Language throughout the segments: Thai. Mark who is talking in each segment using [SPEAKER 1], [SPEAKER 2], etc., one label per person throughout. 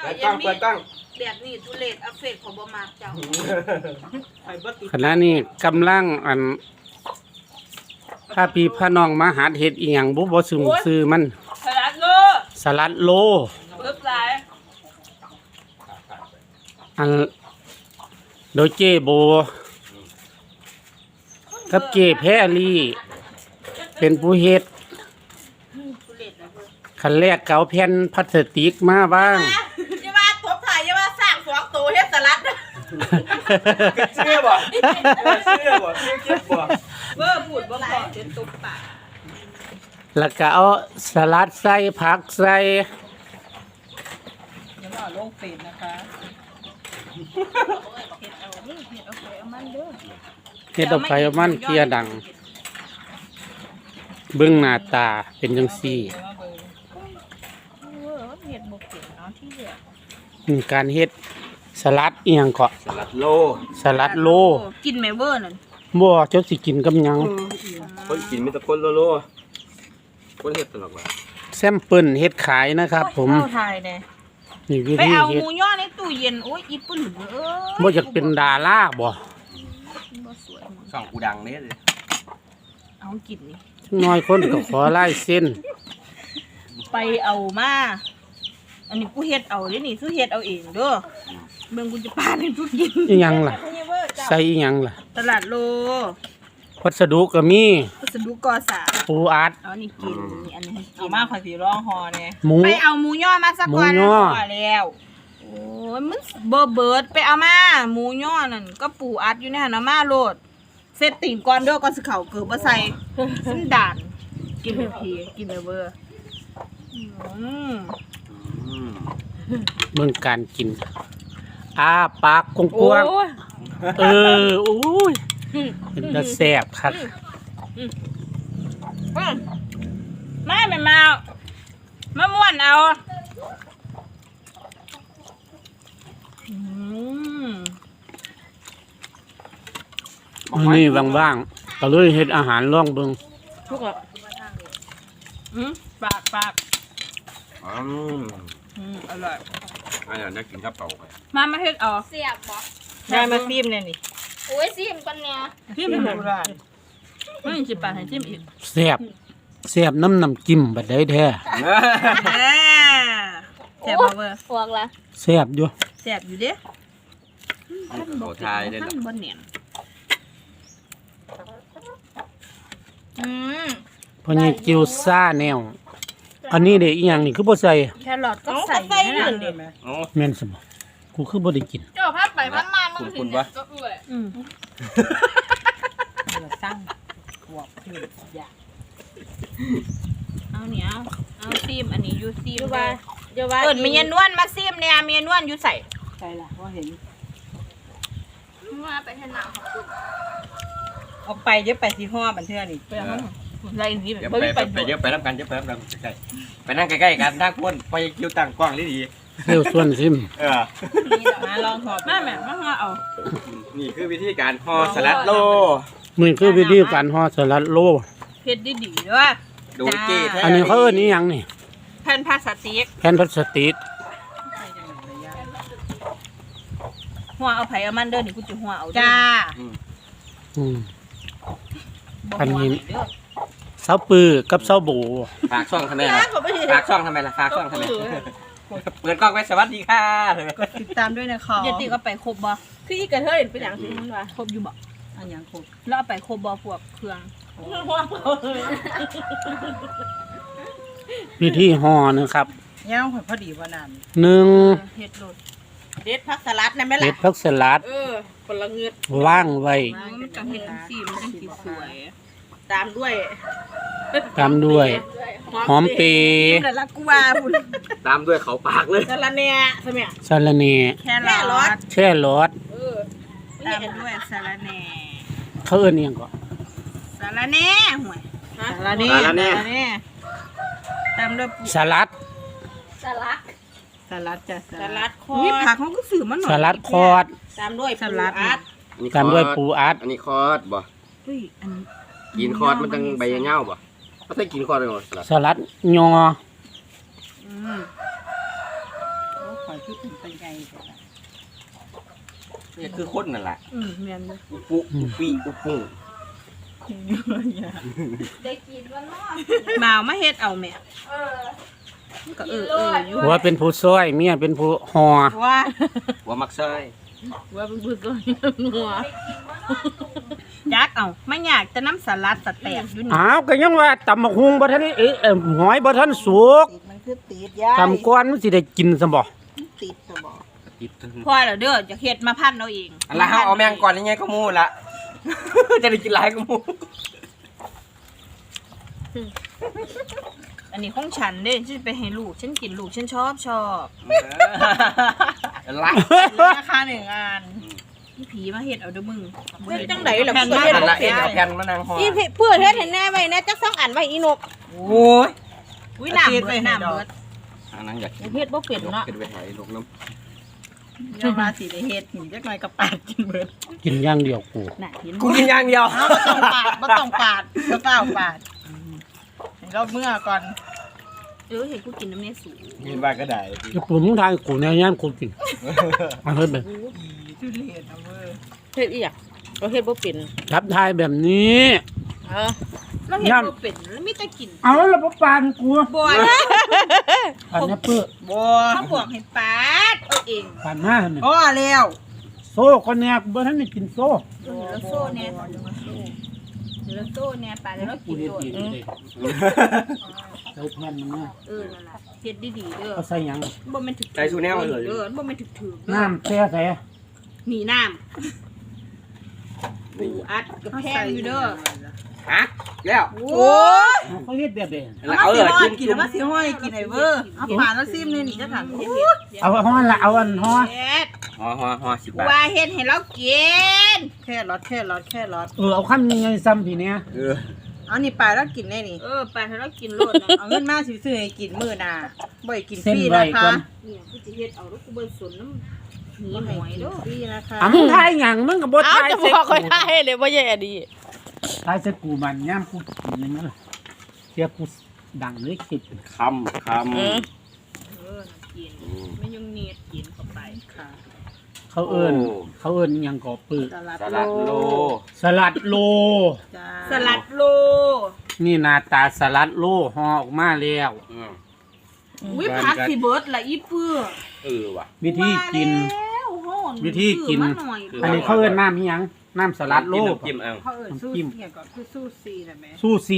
[SPEAKER 1] กล้องเปิดกล้อง
[SPEAKER 2] แบบนี้ทุเรศอัฟเฟกของบ่มากเจ้า
[SPEAKER 3] ขณะนี้กำลังถ้าพี่พน้องมาหาเฮ็ดอีหยังบ่ซื้อมัน
[SPEAKER 2] สลัดโล
[SPEAKER 3] สลัดโล
[SPEAKER 2] ปึ๊บหลาย
[SPEAKER 3] อันโดยเจโบกับเจแพรลี่เป็นผู้เฮ็ด
[SPEAKER 2] ทุเรศนะเพิ่น
[SPEAKER 3] คันแรกเกาแผ่นพลาสติกมาบ้าง
[SPEAKER 2] อย่าว่าตบถ่ายอย่าว่าสร้าง2ตัวเฮ็ดสลัด
[SPEAKER 1] เชื่อบ่เชื่อบ่เชื่อคิดบ่
[SPEAKER 2] เบ้อพูดบ่พอเดี๋ยวตบปาก
[SPEAKER 3] แล้วก็เอาสลัดใส่ผักใส่
[SPEAKER 4] เดี๋ยวเราลงเฟซนะคะ
[SPEAKER 2] เฮ็ดเอานี่เฮ็ดเอาไปเอามันเด้อ
[SPEAKER 3] เฮ็ดเอาไปเอามันเกลียดัง เบิ่งหน้าตาเป็นจังซี่
[SPEAKER 2] เฮ็ดบ่เก่งเนาะที่เหลือ
[SPEAKER 3] นี่การเฮ็ดสลัดอีหยังก็
[SPEAKER 1] สลัดโล
[SPEAKER 3] สลัดโล
[SPEAKER 2] กินแม่เบ้อนั่น
[SPEAKER 3] บ่เจ้าสิกินกับหยัง
[SPEAKER 1] คนกินมีแต่คนโลคนเฮ็ดตลอดว่า
[SPEAKER 3] แซมเปิลเฮ็ดขายนะครับ ผม
[SPEAKER 2] เข้าทายแน่
[SPEAKER 3] นี่วิ
[SPEAKER 2] ไป
[SPEAKER 3] ธี
[SPEAKER 2] เอาห
[SPEAKER 3] เฮ็ด
[SPEAKER 2] มูย่อในตู้เย็นโอ้ยอีปุ่นเอ้ย
[SPEAKER 3] บ่อยากเป็นดาราบ่
[SPEAKER 2] บ่สวย
[SPEAKER 1] ช่องกูดังเด้อ
[SPEAKER 2] เอากินนี่
[SPEAKER 3] จักหน้อยคนก็ขอลายเส้น
[SPEAKER 2] ไปเอามาอันนี้กูเฮ็ดเอาเด้นี่ซื้อเฮ็ดเอาเองเด้อเบิ่งกูจะปาให้ทุกกิน
[SPEAKER 3] อีหยังล่ะ ใส่อีหยังล่ะ
[SPEAKER 2] ตลาดโล
[SPEAKER 3] วัสดุก็มี
[SPEAKER 2] วัสดุก่อสร้าง
[SPEAKER 3] ปูอัด
[SPEAKER 2] เอานี่กินนี่อันนี้ให้กิ
[SPEAKER 4] เอา
[SPEAKER 2] น
[SPEAKER 4] มาขอสีร้องฮอเนี่ย
[SPEAKER 3] หมู
[SPEAKER 2] ไปเอาหมูย่อมาสักก่อน
[SPEAKER 3] หมูย่อ
[SPEAKER 2] พอแล้วโอ้ยมันเบิดไปเอามาหมูย่อนั่นก็ปูอัดอยู่ในหั่นเอามาโลดเซตตีนก่อนเด้อก่อนสิเข้าเกือบบ่ใส่สันดานกินเพียกินเบอร์อืม
[SPEAKER 3] เบิ่งการกินอ้าปากกว้างๆเออโอ้ยเป็นตาแซ่บคัก
[SPEAKER 2] ไม่มาม่วนเอาอืม
[SPEAKER 3] มื้อนี้ว่างๆก็เลยเฮ็ดอาหารลองเบิ่ง
[SPEAKER 2] ทุกอ่ะปาก
[SPEAKER 1] อืม
[SPEAKER 2] อร่อย
[SPEAKER 1] อันนี้ได้กินข้าวเปล่าไป
[SPEAKER 2] มาเฮ็ดเอา
[SPEAKER 5] เสียบบ่
[SPEAKER 4] ได้มาซีมเนี่ยนี่
[SPEAKER 5] โอ้ยซิมก่อนเนี่ย
[SPEAKER 2] จิ้มให้ไม่สิปากให้จิ้มอีก
[SPEAKER 3] แซ่บแซ่บน้ำจิ้มบัดได้แท้
[SPEAKER 2] แซ่บบ่เบอร์
[SPEAKER 5] พวกละ
[SPEAKER 3] แซ่บอยู่
[SPEAKER 2] แซ่บอยู่เด้
[SPEAKER 1] ขอทายได้
[SPEAKER 2] ท่า
[SPEAKER 1] ล่ะ
[SPEAKER 2] นบ่เนียน
[SPEAKER 5] อืม
[SPEAKER 3] เพราะนี่กิวซ่าแนว อันนี้เด้อีหยังนี่คือบ่ใส่
[SPEAKER 2] แครอทก็ใส่อยู่นั่นเด้
[SPEAKER 1] อ๋อ
[SPEAKER 3] แม่นซะบ่กูคือบ่ได้กิน
[SPEAKER 5] เจ้าพัดไปพัดมามึง
[SPEAKER 1] คุณ
[SPEAKER 5] สิ
[SPEAKER 1] วะ
[SPEAKER 5] ก็เอื่อย
[SPEAKER 4] เราสร้างขวบขึ้นอยาก
[SPEAKER 2] เอาเนี่ยเอาซีมอันนี้อยู่ซีม
[SPEAKER 5] เดี๋ยวว่า
[SPEAKER 2] เอิ้นมีเมียนวลมาซีมเนี่ยเมียนวลอยู่ใส่
[SPEAKER 4] ใช่ล่ะว่าเห็น
[SPEAKER 5] ว่าไปให้หนาวของคุณ
[SPEAKER 4] เอาไปเดี๋ยวไปสีห้อบันเทื่อนี่
[SPEAKER 2] ไปเอามันไรนี่แบบ
[SPEAKER 1] เดี๋ยว
[SPEAKER 2] บ่
[SPEAKER 1] ไป
[SPEAKER 2] มี
[SPEAKER 1] ไป
[SPEAKER 2] ไป
[SPEAKER 1] ไปเดี๋ยวไปรับกันเดี๋ยวไปรับกันใกล้ๆไปนั่งใกล้ๆกันนั่งพ้นไปคิวตั้งกว้างดี
[SPEAKER 3] เร็วส่วนซิม
[SPEAKER 1] ๆเออ
[SPEAKER 4] มาลองหอบ
[SPEAKER 2] แม่มาเอา
[SPEAKER 1] นี่คือวิธีการห่อสลัดโล
[SPEAKER 3] นี่คือวิธีการห่อสลัดโล
[SPEAKER 2] เฮ็ดดีๆเด้อ
[SPEAKER 1] โดยเก้แท้
[SPEAKER 3] อันนี้เขาเอิ้นอีหยังนี่
[SPEAKER 2] แผ่นพลาสติก
[SPEAKER 3] แผ่นพลาสติก
[SPEAKER 2] หัวเอาไผเอามันเด้อนี่กูจะหัวเอาเด้อ
[SPEAKER 4] จ้า
[SPEAKER 3] อืม
[SPEAKER 2] บ่
[SPEAKER 3] อันนี้
[SPEAKER 2] หัวเด้อ
[SPEAKER 3] เสาปือกับเสาโบ
[SPEAKER 1] ฝากช่องทำไมล่ะฝากช่องทำไมล่ะฝากช่องทำไมเปิดกล้องไว้สวัสดีค่ะ
[SPEAKER 4] กดติดตามด้วยนะคะ
[SPEAKER 2] เดี๋ยวติก็ไปครบบ่
[SPEAKER 5] คืออีกระเทยเป็นอย่างสิมึงว่า
[SPEAKER 2] ครบอยู่บ่
[SPEAKER 4] อันยังครบ
[SPEAKER 2] แล้วเอาไปครบบ่พวกเครื่อง
[SPEAKER 3] วิธีห่อนะครับ
[SPEAKER 4] ย่างพอดีว่านาน
[SPEAKER 3] หนึ่ง
[SPEAKER 2] เฮ็ดโลด
[SPEAKER 4] เด็ดผักสลัดนะแม่
[SPEAKER 3] เม็
[SPEAKER 4] ล่ะ
[SPEAKER 3] ดผักสลัด
[SPEAKER 4] คนละเงือด
[SPEAKER 3] ว่างไว้
[SPEAKER 2] มันจะเฮ็ดจังซี่มันจังสิสวย
[SPEAKER 4] ตามด้วย
[SPEAKER 3] ตามด้วย หอมเปรย์
[SPEAKER 4] แต่ละกูว่าบุญ
[SPEAKER 1] ตามด้วยเขาปากเลย
[SPEAKER 4] สลัดเนี่ยใช่ไหม
[SPEAKER 3] สะระเน
[SPEAKER 2] แค่รอด
[SPEAKER 3] แช่รส
[SPEAKER 2] ตามด้วยสาระแหน่
[SPEAKER 3] เขาเอิ้นอีหยังก็
[SPEAKER 2] สาระแหน่ห่วย
[SPEAKER 4] สลัดนี่
[SPEAKER 2] ตามด้วยปู
[SPEAKER 3] สลัด
[SPEAKER 5] สลัก
[SPEAKER 4] สลัดจ้ะ
[SPEAKER 2] สลัดคอมีผักเขาก็ซื้อมาหน่อย
[SPEAKER 3] สลัดคอด
[SPEAKER 2] ตามด้วย
[SPEAKER 4] สลัด
[SPEAKER 2] อัด
[SPEAKER 3] ตามด้วยปูอัด
[SPEAKER 1] อันนี้คอร์ดบ่
[SPEAKER 2] เฮ้ยอัน
[SPEAKER 1] กินคอร์ดมันจังใบเงาบ่เขาใส่กินคอร์ดเลยบ่สลัด
[SPEAKER 3] สลัดยอ
[SPEAKER 4] โอ้ขอคือเป็นปัญญา
[SPEAKER 1] นี่คือคนนั่นแหละ
[SPEAKER 2] แม่นเลย
[SPEAKER 1] อุปุอุปีอุปุ
[SPEAKER 5] ได้กินวันนอก
[SPEAKER 2] มาเอามาเฮ็ดเอาแม่
[SPEAKER 5] เออ
[SPEAKER 2] มันก็อยู่
[SPEAKER 3] ผัวเป็นผู้ซอยเมียเป็นผู้ห่อ
[SPEAKER 2] ว่า
[SPEAKER 1] หัวมักซอย
[SPEAKER 2] ว่าเป็นผู้ตัวหัวยักเอาไม่อยากจะน้ำสลัดสแต็กอยู่นี่
[SPEAKER 3] อ้าวก็ยังว่าตำบักฮุงบ่ทันหอยบ่ทันสุก
[SPEAKER 4] มันคือติดยา
[SPEAKER 3] ตำก้อนมันสิได้กินซะบ่
[SPEAKER 4] ติดสมอง
[SPEAKER 1] ติด
[SPEAKER 2] พ่อแล้วเด้อจะเฮ็ดมาพันเอาเอง
[SPEAKER 1] อันละเอาแมงก่อนยังไงก็มูละ จะได้กินหลายก็มู
[SPEAKER 2] อันนี้ของฉันเด้ฉันไปให้ลูกฉันกินลูกฉันชอบ
[SPEAKER 1] ละ
[SPEAKER 2] ราคา1 อันพี่ผีมาเฮ็ดเอาเด้อมึง
[SPEAKER 5] เฮ็ดจังไดล่ะ
[SPEAKER 2] แผ่น
[SPEAKER 5] เพื่
[SPEAKER 2] มา
[SPEAKER 5] อเฮ็ด
[SPEAKER 1] อัน
[SPEAKER 5] บ่
[SPEAKER 1] ละเอ็
[SPEAKER 5] เป็น
[SPEAKER 1] นเอาแผ่นมานางห่อ
[SPEAKER 5] อีเพื่อเฮ็ดให้แน่ไว้แน่จัก2อันไว้อีนก
[SPEAKER 1] โอ้ย
[SPEAKER 2] อุ้ยน้ำเบิดน้ำเบิด
[SPEAKER 1] อันนั้นอยากกิน
[SPEAKER 5] เฮ็ดบ่เป็นเนาะ
[SPEAKER 1] กินไปหายลูกน้
[SPEAKER 4] ยามาสิได้เฮ็ดหินจักหน่อยกับปาดกินเบิด
[SPEAKER 3] กินอย่างเดียวกู
[SPEAKER 2] น่ะเห็น
[SPEAKER 1] ำกูกินอย่างเดียว
[SPEAKER 4] เอาบ่ต้องปาดบ่ต้องปาดบ่เปล่าปาดให้เราเมื่อก่อน
[SPEAKER 2] เห็นกูกินน้ำเนสู
[SPEAKER 1] กินบ้างก็ได้
[SPEAKER 3] จะปรุงทางกูแนวย่านกูกินเอาเฮ็ดแบบ
[SPEAKER 4] ทุเรียนเอาเว้ย
[SPEAKER 5] เฮ็ดอีหยังก็เฮ็ดบ่เป็น
[SPEAKER 3] รับทายแบบนี้
[SPEAKER 5] เออ
[SPEAKER 2] แล้วเห็นบ่เป็นแล้วมีแต่กิน
[SPEAKER 3] เอาแล้วบ่ปานกู
[SPEAKER 2] บ่อย
[SPEAKER 3] ปานแอปเปิ้ล
[SPEAKER 4] บ่
[SPEAKER 2] เขาบอกให้ปาดเอาเอง
[SPEAKER 3] ปานมาหั่นน่ะ
[SPEAKER 4] พอแล้ว
[SPEAKER 3] โซ่คนแนกบ่ทันได้กินโซ่
[SPEAKER 2] เดี๋ยวเราโซ่เนี่ยเดี๋ยวเราโซ่เนี่ยปาดแล้วเรา
[SPEAKER 3] กู
[SPEAKER 2] กิน
[SPEAKER 3] เฮ็ด
[SPEAKER 2] โดด
[SPEAKER 3] เองเลยใส่แผ่นมันมา
[SPEAKER 2] นั่นแหละเฮ็ดดีๆเด้อ
[SPEAKER 3] เอาใส่หยัง
[SPEAKER 2] บ่แม่นถึก
[SPEAKER 1] ใจสู้แนวเลย
[SPEAKER 2] เด้อบ่แม่นถึกๆ
[SPEAKER 3] น้ำแช่ใส่
[SPEAKER 2] หนีน้ำปูอัดกับแพงอยู่เด้อ
[SPEAKER 1] ฮะแล้ว
[SPEAKER 2] โอ้ย
[SPEAKER 3] เขาเฮ็ดแบบนี้
[SPEAKER 1] เอาเลย
[SPEAKER 4] กิ
[SPEAKER 1] กิ
[SPEAKER 4] น
[SPEAKER 1] น
[SPEAKER 4] แล้วมาสิห้อยกินไอ้เวอร์เอาปาดแล้วซิมนี่นี่จักหัน
[SPEAKER 3] เอาฮ้อนละเอาอันฮ้อน
[SPEAKER 2] เฮ็ด
[SPEAKER 1] ห่อ10 บาท
[SPEAKER 2] ว่าเฮ็ดให้เรากิน
[SPEAKER 4] แค่รอด
[SPEAKER 3] เอาคำยังไงซ้ำพี่เนี่ย
[SPEAKER 4] เอานี่ปาดแล้วกินได้นี่
[SPEAKER 2] ปาดให้เรากินโลดนะ
[SPEAKER 4] เอาเงินมาสิซื้อให้กินมื้อหน้าบ่ให้กินฟ
[SPEAKER 3] เส้น
[SPEAKER 4] รี
[SPEAKER 3] ไว้
[SPEAKER 4] นะ
[SPEAKER 3] ก่อ
[SPEAKER 4] คะ
[SPEAKER 3] น
[SPEAKER 2] เนี่ยกูสิเฮ็ดเอาแล้วกูเบิ่งสนน้ำหนี
[SPEAKER 4] บ่
[SPEAKER 2] ห
[SPEAKER 4] ให้
[SPEAKER 2] อย
[SPEAKER 4] กิน
[SPEAKER 2] เด้อ
[SPEAKER 4] ฟรีนะคะ
[SPEAKER 3] อ่ะมึงทายหยังมึงก็บ่
[SPEAKER 5] เอ้า
[SPEAKER 3] ทาย
[SPEAKER 5] จะ
[SPEAKER 3] ใส่
[SPEAKER 5] บอก
[SPEAKER 3] กู
[SPEAKER 5] ค่อยได้เลยบ่แย่ดี
[SPEAKER 3] ทายใส่กูมันย่ามกูกินนี่มั้งเสียกูดังเลยคิด
[SPEAKER 1] คำ
[SPEAKER 5] อืม
[SPEAKER 2] กินไม่ยุ่งเนียดกินเข้าไป
[SPEAKER 4] ค่ะ
[SPEAKER 3] เขาเอิ้นหยังก่อปื้อ
[SPEAKER 4] สลัด
[SPEAKER 1] สลัดโล
[SPEAKER 3] สลัดโล
[SPEAKER 4] จ้า
[SPEAKER 2] สลัดโล
[SPEAKER 3] นี่หน้าตาสลัดโลห่อออกมาแล้ว
[SPEAKER 2] อุ้ยผักสิเบิดละอีเปื้อ
[SPEAKER 1] ว่ะ
[SPEAKER 3] วิธีกิน
[SPEAKER 2] แล้วโหน
[SPEAKER 3] วิธีกิน
[SPEAKER 2] ซื้อมาหอย
[SPEAKER 3] อันนี้เขาเอิ้นน้ำอิหยังน้ำสลัดโล
[SPEAKER 1] จิ้มเอา
[SPEAKER 4] เขาเอิ้นสู้
[SPEAKER 3] น้ำจิ้ม
[SPEAKER 4] เนี่ยก่อนคือสู้ซีน่ะแม่
[SPEAKER 3] ซูชิ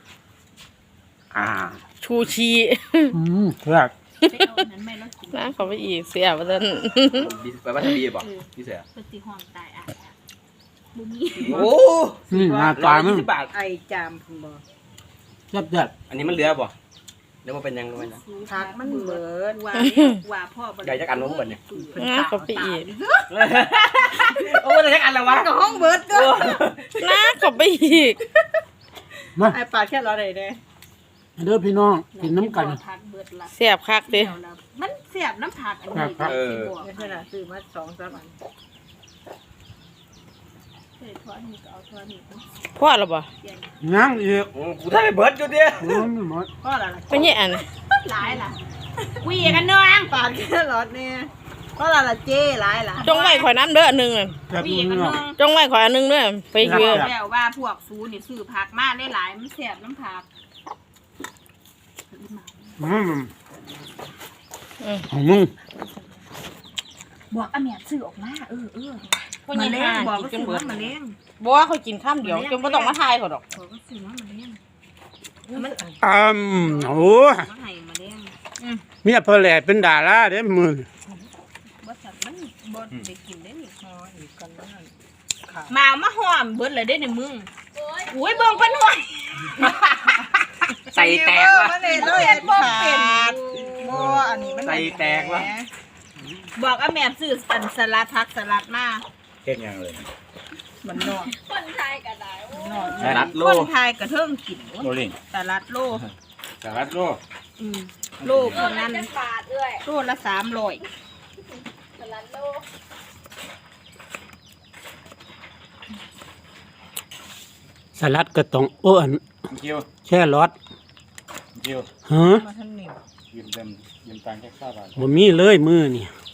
[SPEAKER 5] ชูชี
[SPEAKER 3] เพื่อ
[SPEAKER 2] ไปเอาอันนั้นแม่แล้วกิน
[SPEAKER 5] นะเขาไปอีกเสียบ่ทัน
[SPEAKER 1] แปลว่าบีบอกพี่เสือ
[SPEAKER 2] ปฏิหอนตายอ่ะบุมี
[SPEAKER 1] โอ้
[SPEAKER 3] หน้าตามัน
[SPEAKER 1] 120 บาท
[SPEAKER 4] ไอจามพุ่นบ่
[SPEAKER 3] แซ่บ
[SPEAKER 1] อันนี้มันเหลือบ่เดี๋ยวมันเป็นยังไงนะ
[SPEAKER 4] ผักมันเบิด
[SPEAKER 2] ว่าพ่อบ่
[SPEAKER 1] ใหญ่จักอันนู้นเบิดเนี่ย
[SPEAKER 5] นะเขาไปอีก
[SPEAKER 1] โอ้ยจักอันแล้ววะ
[SPEAKER 4] ก็ห้องเบิดก็
[SPEAKER 5] นะเขาไปอีก
[SPEAKER 3] ๆมา
[SPEAKER 4] ไอปาดแค่รอได้เด้
[SPEAKER 3] เด้อพี่น้องกินน้ำกัน
[SPEAKER 2] ผักเบิดละ
[SPEAKER 5] เสียบคักเด้
[SPEAKER 2] มันเสียบน้ำผักอันนี้
[SPEAKER 3] ครับ
[SPEAKER 2] สิบอก
[SPEAKER 4] ไม่ใช่น่ะซื้อมา2-3อัน
[SPEAKER 2] ใส่ทอดนี่ก็เอาทอดนี่ก็
[SPEAKER 5] พ่อแล้วบ่
[SPEAKER 3] ยังอีก
[SPEAKER 1] กูได้เบิร์ดอยู่ดิ
[SPEAKER 3] ไม่หมด
[SPEAKER 4] ก็ละล่ะ
[SPEAKER 5] เป็นยังอัน
[SPEAKER 2] หลายล่ะวีกันเนือง
[SPEAKER 4] ปาดแค่รอดเนี่ยก็ละล่ะเจ้หลายล่ะ
[SPEAKER 5] จงไว้ข่อยน้ำเด้ออันหนึงน่ะ
[SPEAKER 3] แบบ
[SPEAKER 2] วี
[SPEAKER 3] นี้
[SPEAKER 2] กัน
[SPEAKER 3] เนาะ
[SPEAKER 2] เนือง
[SPEAKER 5] จงไว้ข่อยอันหนึงเด้อไปเยอะ
[SPEAKER 2] แล้วว่าพวกซูนี่ซื้อผักมาได้หลายมันเสียบน้ำผัก
[SPEAKER 3] ของมึง
[SPEAKER 2] บอกอาแม่ซื้อออกมา
[SPEAKER 5] พ่อใหญ่
[SPEAKER 2] มา
[SPEAKER 5] ห่า
[SPEAKER 2] เลี้ยงบอก
[SPEAKER 5] กิน
[SPEAKER 2] ว่า
[SPEAKER 5] จน
[SPEAKER 2] ซื้อ
[SPEAKER 5] เบิด
[SPEAKER 2] มาเลี้ยง
[SPEAKER 5] บ่ว่าเขากินข้ามเดียวจนบ่ต้องมาทายเขาดอก
[SPEAKER 2] บอกว่าซื้อมาเลี้ยงมัน
[SPEAKER 3] โอ้
[SPEAKER 2] มาให้มาเลี้ยง
[SPEAKER 3] เมียเพอแหล่เป็นดาราเด้มือ
[SPEAKER 2] บ่สัตว์มันบ่ได้กินได้นี่
[SPEAKER 4] อ๋ออีกกันแล้วนั่น
[SPEAKER 2] มาเอามาหอมเบิดเลยได้ในมึงโอ้ยเบิ่งเป็นหอย
[SPEAKER 1] ใส่แตกว่ะ
[SPEAKER 4] มันเลยเลยบ่เป็นบ่อันนี้มัน
[SPEAKER 1] ใส่แตกว่ะ
[SPEAKER 2] บอกอาแม่ซื้ออันสลัดผักสลัดมา
[SPEAKER 1] เฮ็ดยังเลย
[SPEAKER 4] มันนอก
[SPEAKER 5] คนไทยก็ได้
[SPEAKER 4] นอก
[SPEAKER 1] สลัดโล
[SPEAKER 2] คนไทยกระเทิงกิน
[SPEAKER 1] โลลิง
[SPEAKER 2] สลัดโล
[SPEAKER 1] สลัดโล
[SPEAKER 2] โลคนนั้น
[SPEAKER 5] บาทด้วย
[SPEAKER 2] โลละ300
[SPEAKER 5] สลัดโล
[SPEAKER 3] สลัดก็ต้องอัน
[SPEAKER 1] คิว
[SPEAKER 3] แค่รส
[SPEAKER 1] คิว
[SPEAKER 3] ฮะ
[SPEAKER 4] มาทันนี่
[SPEAKER 1] ยืมตังค์แค่ข้าวบาท
[SPEAKER 3] บ่มีเลยมือนี่
[SPEAKER 1] โ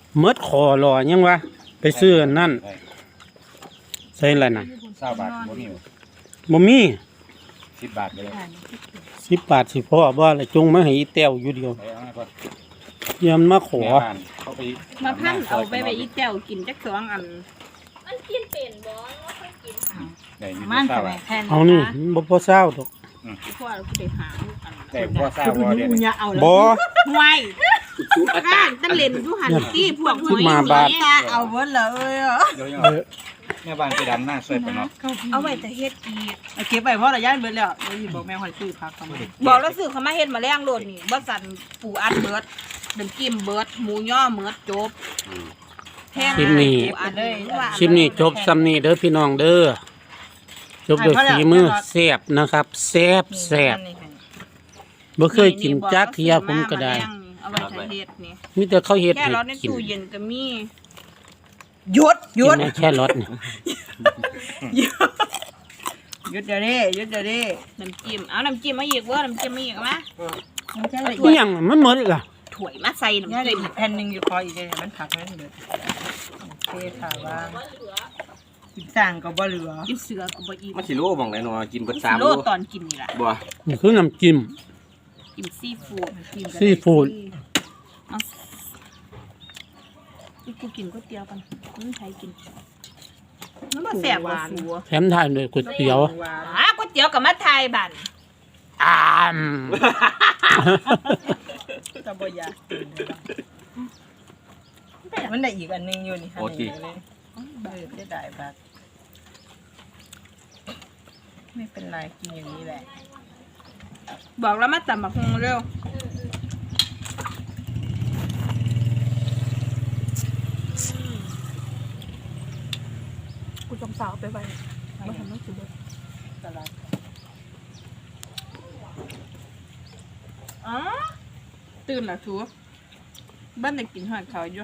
[SPEAKER 3] เมิดคอรอยังวะไปซื้ออันนั่นใส่อะไรน่ะ
[SPEAKER 6] 20 บาทบ่มี
[SPEAKER 3] บ่มี
[SPEAKER 6] 10 บาทไปเลย
[SPEAKER 3] 10 บาทสิพ่อบ่ละจงมาให้อีแต้วอยู่เดียว
[SPEAKER 6] ไปเอามาก่อน
[SPEAKER 3] ยามมาขอ
[SPEAKER 6] แม่บ้านเขาไป
[SPEAKER 2] มาพันเอาไปอีแต้วกินจักสองอัน
[SPEAKER 5] มันกินเป็นบ่ว่าเคยกิน
[SPEAKER 6] ได้อยู่
[SPEAKER 4] มัน
[SPEAKER 6] 20
[SPEAKER 4] ก็
[SPEAKER 6] บา
[SPEAKER 4] แม่
[SPEAKER 6] ท
[SPEAKER 4] แทน
[SPEAKER 3] เอานี่มันบ่พอเศร้าดอก
[SPEAKER 2] พ่อเราก็ได้หาลูกอัน
[SPEAKER 6] แต่บ่ทราบว่าเดี๋ยว
[SPEAKER 4] มึง
[SPEAKER 6] นี้
[SPEAKER 4] อย่าเอาแล้ว
[SPEAKER 3] บ่
[SPEAKER 2] ห่วยข้างตั้งเล่นอยู่หันตี้พวก
[SPEAKER 3] ขึ้นมาบาด
[SPEAKER 4] ตาเอาเบิดเลยอ่ะ
[SPEAKER 6] เดี๋ยวยัง
[SPEAKER 3] เออ
[SPEAKER 6] แม่บ้านไปดำหน้าช่วยไปเนาะ
[SPEAKER 2] เอาไว้แต่เฮ็ดกีด
[SPEAKER 4] เอาเก็บไปเพราะระยะเบิดแล้วเดี๋ยวสิบอกแม่ค่อยซื้อผักทำไม
[SPEAKER 2] บอกแล้วซื้อเขามาเฮ็ดมาแรงโลดนี่บ่สั่นปูอัดเบิดน้ำจิ้มเบิดหมูย่อเบิดจบแพง
[SPEAKER 3] คลิปนี้
[SPEAKER 2] ปูอัดเลยว่า
[SPEAKER 3] คลิปนี้จบซ้ำนี้เด้อพี่น้องเด้อจบด้วยฝีมือแซ่บนะครับแซ่บแซ่บบ่เคยกินจักเที่ยผมก็ได้
[SPEAKER 2] เอาไว้ถ้าเฮ็ดนี่
[SPEAKER 3] มีแต่เขาเฮ็ด
[SPEAKER 2] แค่
[SPEAKER 3] ให้
[SPEAKER 2] รอใน
[SPEAKER 3] กิน
[SPEAKER 2] ตู้เย็นก็มี
[SPEAKER 4] หยุดหยุ
[SPEAKER 3] กิ
[SPEAKER 4] ด
[SPEAKER 3] นได้แค่รสนี่
[SPEAKER 4] หยุดเดี๋ยวนี้หยุดเดี๋ยวนี้
[SPEAKER 2] น้ำจิ้มเอาน้ำจิ้มมาอีกเว้อน้ำจิ้มมาอีกเอามา
[SPEAKER 4] มันจะได้
[SPEAKER 3] นี่ยังมันหมดล่ะ
[SPEAKER 2] ถ้วยมาใส่
[SPEAKER 4] เนี่ย
[SPEAKER 2] น้ำ
[SPEAKER 4] เดี๋
[SPEAKER 2] จิ้
[SPEAKER 4] ยว
[SPEAKER 2] ม
[SPEAKER 4] อีกแผ่นหนึงอยู่คออีกเลยมันผักมันเบิดโอเคค่ะว่ากินสั่งก็บ่เหลือ
[SPEAKER 2] กินเสือก็บ่อิ่ม
[SPEAKER 1] มันสิรู้หม่องไหนเนาะกินเบิด
[SPEAKER 2] โล
[SPEAKER 1] 3โล
[SPEAKER 2] ตอนกินนี่ล่ะ
[SPEAKER 1] บ่
[SPEAKER 3] นี่คือน้ำจิ้ม
[SPEAKER 2] กินซีฟู้ด
[SPEAKER 3] ซีฟู้ด
[SPEAKER 2] เอากูกินก๋วยเตี๋ยวกันมันใครกินมันบ่แซ่บบ่สู
[SPEAKER 3] แถมทานด้วยก๋วยเตี๋ยว
[SPEAKER 4] หวาน
[SPEAKER 2] ก๋วยเตี๋ยวกับมาไทยบั่น
[SPEAKER 3] อ้าม
[SPEAKER 4] ก็บ่อยากกินเลยมันได้อีกอันหนึงอยู่นี่ค่ะนี่เลยจะได้บัดไม่เป็นไรกินอย่างนี้แหละ
[SPEAKER 2] บอกแล้วมาตำบักฮุงเร็วกูจำสาวไปไว้บ่ทำให้สิเบิด
[SPEAKER 4] ตลาด
[SPEAKER 2] อ๋อตื่นละทูบ้านได้กินหอดเขาอยู่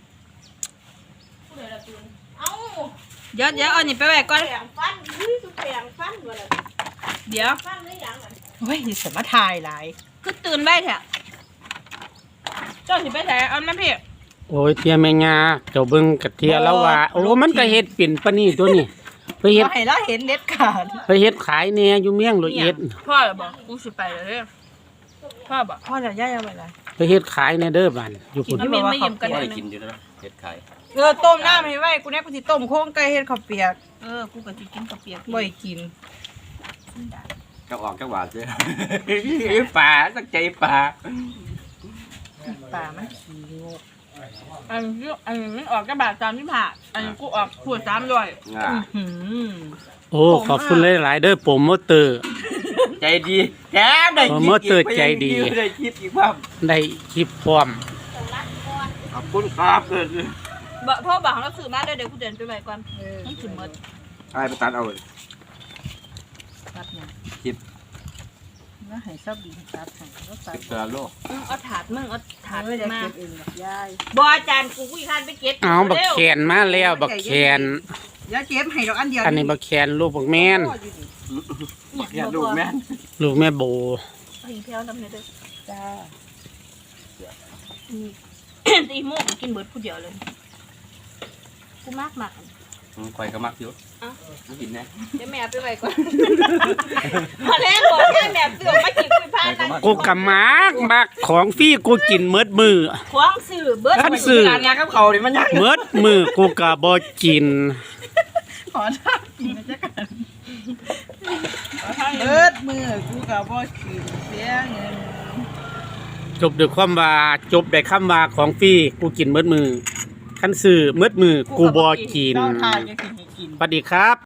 [SPEAKER 5] เอ้า
[SPEAKER 2] เดี๋ยวเอานี่ไปไว้ก่อน
[SPEAKER 5] แปลงฟันอุ้ยสุแปลงฟันบ่ล่ะ
[SPEAKER 2] เดี๋ยว
[SPEAKER 5] ฟันได้ยังอ่ะ
[SPEAKER 4] เฮ้ยนี่สมาทายหลาย
[SPEAKER 2] คือตื่นไว้แท้เจ้าสิไปไหนเอาน้ำพี่
[SPEAKER 3] โอ้ยเทียแม่งาเจ้าเบิ่งกะเทียแล้วว่า โอ้มันก็เฮ็ดเป็นปานนี้ตัวนี้ไปเฮ็ด
[SPEAKER 4] บ่ให้เราเห็นเด็ดขาด
[SPEAKER 3] ไปเฮ็ดขายแหน่อยู่เมียงร้อยเอ็ด
[SPEAKER 2] พ่อเหรอบอกกูสิไปเลยเด้อพ่อบอก
[SPEAKER 4] พ่อจะย่าเอาไปเลย
[SPEAKER 3] ไปเฮ็ดขายในเด้อบ้านอยู่พุ่น
[SPEAKER 2] เอาเมนมาเยี่ยมกัน
[SPEAKER 1] บ่
[SPEAKER 2] หน่อย
[SPEAKER 1] ได้
[SPEAKER 2] หนึ
[SPEAKER 1] กิน
[SPEAKER 2] ง
[SPEAKER 1] อยู่แล้วเฮ็ดขาย
[SPEAKER 4] ต้มน้ำให้ไว้กูเนี่ยกูสิต้มโค้งไก่เฮ็ดข้าวเปียก
[SPEAKER 2] กูก็สิกินกับเปียก
[SPEAKER 4] บ่ให้กิน
[SPEAKER 1] ก็ออกจังหวะเด้อปลาสักใจปลา
[SPEAKER 4] ปลามันขี้งก
[SPEAKER 2] อันนี้มันออกกระบาด35อันนี้กูออกขวด300
[SPEAKER 1] อ่า
[SPEAKER 4] หืม
[SPEAKER 3] โอ้ขอบคุณหลายๆเด้อโปรโมเตอร์
[SPEAKER 1] ใจดีแถมได้
[SPEAKER 3] โปรโมเตอร์ใจดี
[SPEAKER 1] ได้คลิปอีกว่า
[SPEAKER 3] ได้คลิปพร้อม
[SPEAKER 1] ขอบคุณครับ
[SPEAKER 2] บ่พ่อบอกเราซื้อมาเดี๋ยวกูเดินไปไว้ก่อนมันสิหมด
[SPEAKER 1] ไอ้ไปตัดเอาเลย
[SPEAKER 4] ตัดเนี่ย
[SPEAKER 1] คลิป
[SPEAKER 4] แล้วให้ชอบดีตัดให้ก็ตัด
[SPEAKER 1] เกลือโล
[SPEAKER 2] เอาถาดมึงเอาถาด
[SPEAKER 4] ไม่ได้
[SPEAKER 2] มา
[SPEAKER 4] เก็บเองหรอกยาย
[SPEAKER 2] บ่อาจารย์กูอีคันไปเก็บ
[SPEAKER 3] เอาบักแคนมาแล้วบักแคน
[SPEAKER 4] ยายเก็บให้ดอกอันเดียว
[SPEAKER 3] อันนี้บักแคนลูกบักแม่น
[SPEAKER 1] อย่าลูกแม่น
[SPEAKER 3] ลูกแม่โบ
[SPEAKER 2] หิงเพียวน้ำเนี่ยเด้อ
[SPEAKER 4] จ้า
[SPEAKER 2] ตีโมกกินเบิดผู้เดียวเลยกูมาก
[SPEAKER 1] ข่อยก็มักอยู่
[SPEAKER 2] เอ้า
[SPEAKER 1] ไม่กินแน่
[SPEAKER 2] เดี๋ยวแม่เอาไปไว้ก่อนพอแล้วบอกแม่แม่เสือมากินคุยพากัน
[SPEAKER 3] กูกะมักของฟรีกูกินเมิดมือ
[SPEAKER 2] ควงสื่อเบิด
[SPEAKER 3] คันซื้อ
[SPEAKER 1] การงานกับเขาดิมันยัง
[SPEAKER 3] เมิดมือกูกะบ่กิน
[SPEAKER 4] ขอท่ากินนะจ๊ะกันเบิดมือกูกับบ่กินเสียเงิน
[SPEAKER 3] จบด้วยความว่าจบได้คำว่าของฟรีกูกินเมิดมือคันซื้อเมิดมือกูบ่กิน
[SPEAKER 4] เราทายจะกินให้กิน
[SPEAKER 3] สวัสดีครับ